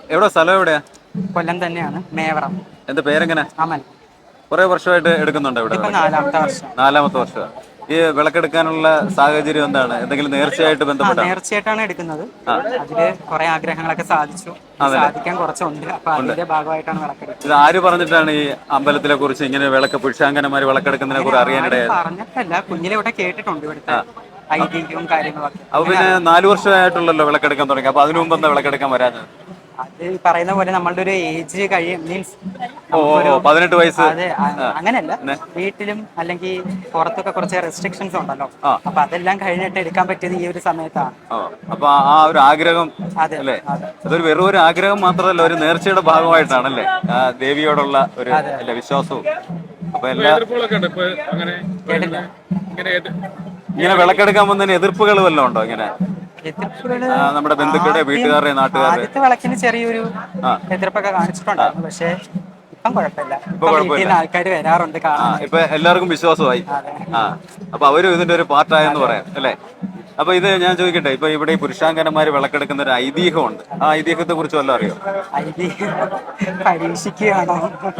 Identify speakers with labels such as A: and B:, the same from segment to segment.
A: എവിടെ സ്ഥലം എവിടെയാ?
B: കൊല്ലം തന്നെയാണ്, മേവറം.
A: എന്റെ പേരെങ്ങനെ?
B: അമൽ.
A: കുറെ വർഷമായിട്ട് എടുക്കുന്നുണ്ട് ഇവിടെ
B: ഇതിപ്പോ
A: വിളക്ക്?
B: നാലാമത്തെ വർഷം.
A: നാലാമത്തെ വർഷം. ഈ വിളക്കെടുക്കാനുള്ള സാഹചര്യം എന്താണ്? എന്തെങ്കിലും നേർച്ചയായിട്ട് ബന്ധപ്പെട്ടാണ്?
B: നേർച്ചയായിട്ടാണ് എടുക്കുന്നത്.
A: ആ,
B: അതില് കുറെ ആഗ്രഹങ്ങളൊക്കെ സാധിച്ചു. ഇനി
A: അതല്ലേ.
B: സാധിക്കാൻ കുറച്ചുണ്ട്. അപ്പൊ
A: ഉണ്ട്.
B: അതിന്റെ ഭാഗമായിട്ടാണ്
A: ഇത്
B: വിളക്കെടുക്കുന്നത്.
A: ആര് പറഞ്ഞിട്ടാണ് ഈ അമ്പലത്തിലെ കുറിച്ച് ഇങ്ങനെ വിളക്ക് പുരുഷാങ്കന്മാർ വിളക്കെടുക്കുന്നതിനെ
B: അങ്ങനെ
A: കുറിച്ച്
B: ആരും
A: അറിയാനിടയായത്?
B: പറഞ്ഞിട്ടല്ല, കുഞ്ഞിലെ ഇവിടെ കേട്ടിട്ടുണ്ട് ഇവിടുത്തെ
A: ആ.
B: ഐതിഹ്യവും കാര്യങ്ങളൊക്കെ.
A: അപ്പൊ
B: അങ്ങനെ
A: പിന്നെ
B: അറിയാം.
A: 4 വർഷമായിട്ടുള്ളല്ലോ വിളക്കെടുക്കാൻ തുടങ്ങി. അപ്പൊ അതിനു മുമ്പ്
B: അത്
A: എന്താ വിളക്കെടുക്കാൻ വരാഞ്ഞത്?
B: അത് പറയുന്ന പോലെ നമ്മളുടെ ഒരു ഏജ് മീൻസ്
A: ഓ ഓ ഓ,
B: നമുക്കൊരു
A: 18 വയസ്സ്.
B: അത്
A: ആ,
B: അങ്ങനെയല്ല,
A: പിന്നെ
B: വീട്ടിലും അല്ലെങ്കിൽ പുറത്തൊക്കെ കുറച്ച് റെസ്ട്രിക്ഷൻസ് ഉണ്ടല്ലോ.
A: ആ
B: അപ്പൊ അതെല്ലാം കഴിഞ്ഞിട്ട് എടുക്കാൻ പറ്റിയത് ഈ ഒരു സമയത്താണ്.
A: ഓ, അപ്പൊ ആ ഒരു ആഗ്രഹം
B: അതെ
A: അല്ലേ?
B: അതെ
A: അതൊരു വെറും ഒരു ആഗ്രഹം മാത്രമല്ല, ഒരു
B: അതെ
A: നേർച്ചയുടെ ഭാഗമായിട്ടാണല്ലേ? ആ ദേവിയോടുള്ള ഒരു
B: അതെ
A: അല്ല വിശ്വാസവും. അപ്പൊ
C: ഇപ്പൊ
A: എല്ലാ
C: എതിർപ്പുകളൊക്കെ ഉണ്ട് ഇപ്പൊ അങ്ങനെ
B: കേട്ടില്ല.
C: പറയുന്നത്. ഇങ്ങനെ
A: ഇങ്ങനെ
C: ഇറങ്ങി
A: വിളക്കെടുക്കാൻ പോകുന്നതിന് എതിർപ്പുകൾ വല്ലതും ഉണ്ടോ ഇങ്ങനെ?
B: എതിർപ്പുകള്
A: നമ്മുടെ ബന്ധുക്കളുടെ, വീട്ടുകാരുടെ, നാട്ടുകാരുടെ?
B: ആദ്യത്തെ വിളക്കിന് ചെറിയൊരു
A: ആ
B: എതിർപ്പൊക്കെ
A: ആ,
B: കാണിച്ചിട്ടുണ്ടായിരുന്നു. പക്ഷെ ഇപ്പം കുഴപ്പമില്ല.
A: ഇപ്പൊ
B: ഇപ്പം വീട്ടിൽ
A: കുഴപ്പമില്ല.
B: നിന്ന് ആൾക്കാർ വരാറുണ്ട്
A: ആ, ഇപ്പൊ
B: കാണാനായിട്ട്.
A: എല്ലാവർക്കും വിശ്വാസമായി.
B: അതെ
A: ആ, അപ്പൊ അവരും ഇതിന്റെ ഒരു പാർട്ടായെന്ന്
B: അതെ
A: പറയാം അല്ലേ? അപ്പൊ ഇത് ഞാൻ ചോദിക്കട്ടെ, ഇപ്പൊ ഇവിടെ ഈ പുരുഷാങ്കന്മാര് വിളക്കെടുക്കുന്ന ഒരു ഐതിഹ്യമുണ്ട്. ആ ഐതിഹ്യത്തെ കുറിച്ച് വല്ലതും അറിയോ?
B: ഐതിഹ്യം പരീക്ഷിക്കുകയാണോ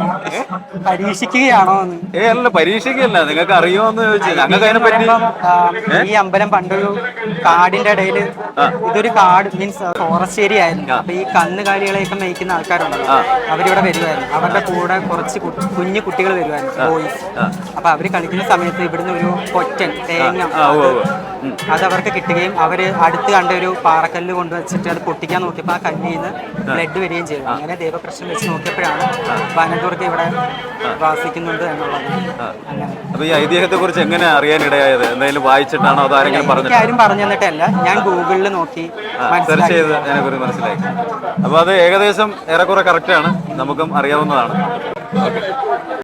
B: പരീക്ഷിക്കുകയാണോ എന്ന്.
A: അല്ല, പരീക്ഷയ്ക്കല്ല, നിങ്ങൾക്ക് അറിയുമോന്ന് ചോദിച്ചു. ഞങ്ങൾക്ക്
B: ഐതിഹ്യം
A: അതിനെ
B: എന്ന്
A: പറ്റി.
B: പറയുമ്പം
A: ഏ
B: ഈ അമ്പലം പണ്ടൊരു കാടിന്റെ ഇടയിൽ,
A: ആ
B: ഇതൊരു കാട് മീൻസ് ഫോറസ്റ്റ് ഏരിയ ആയിരുന്നു.
A: ആ
B: അപ്പൊ ഈ കന്നുകാലികളെയൊക്കെ മേയ്ക്കുന്ന ആൾക്കാരുണ്ടല്ലോ,
A: ആ
B: അവരിവിടെ വരുമായിരുന്നു. അവരുടെ കൂടെ കുറച്ച് കുഞ്ഞു കുട്ടികൾ വരുമായിരുന്നു, ബോയ്സ്.
A: ആ
B: അപ്പൊ അവര് കളിക്കുന്ന സമയത്ത് ഇവിടുന്ന് ഒരു കൊറ്റൻ തേങ്ങ
A: ആ ഉവ്വ്
B: അത്
A: ഉവ്വ്. ഉം.
B: അത് അവർക്ക് കിട്ടുകയും അവര് അടുത്ത് കണ്ട ഒരു പാറക്കല്ല് കൊണ്ടുവച്ചിട്ട് അത് പൊട്ടിക്കാൻ നോക്കിയപ്പോൾ ആ കല്ലിൽ നിന്ന് ബ്ലഡ് വരികയും ചെയ്തു. അങ്ങനെ ദൈവപ്രശ്നം വെച്ച് നോക്കിയപ്പോഴാണ് വനദുർഗ ഇവിടെ വാസിക്കുന്നുണ്ട് എന്നുള്ളത്. അങ്ങനെ
A: അപ്പൊ ഈ ഐതിഹ്യത്തെ കുറിച്ച് എങ്ങനെ അറിയാനിടയായത്? എന്തെങ്കിലും വായിച്ചിട്ടാണോ അതോ ആരെങ്കിലും
B: എനിക്ക്
A: പറഞ്ഞിട്ടാണോ?
B: ആരും പറഞ്ഞു തന്നിട്ടല്ല, ഞാൻ ഗൂഗിളിൽ നോക്കി
A: സെർച്ച് ചെയ്ത്
B: മനസ്സിലാക്കി.
A: അതിനെക്കുറിച്ച് മനസ്സിലാക്കി. അപ്പൊ അത് ഏകദേശം ഏറെക്കുറെ കറക്റ്റ് ആണ്, നമുക്കും അറിയാവുന്നതാണ്. ഓക്കെ.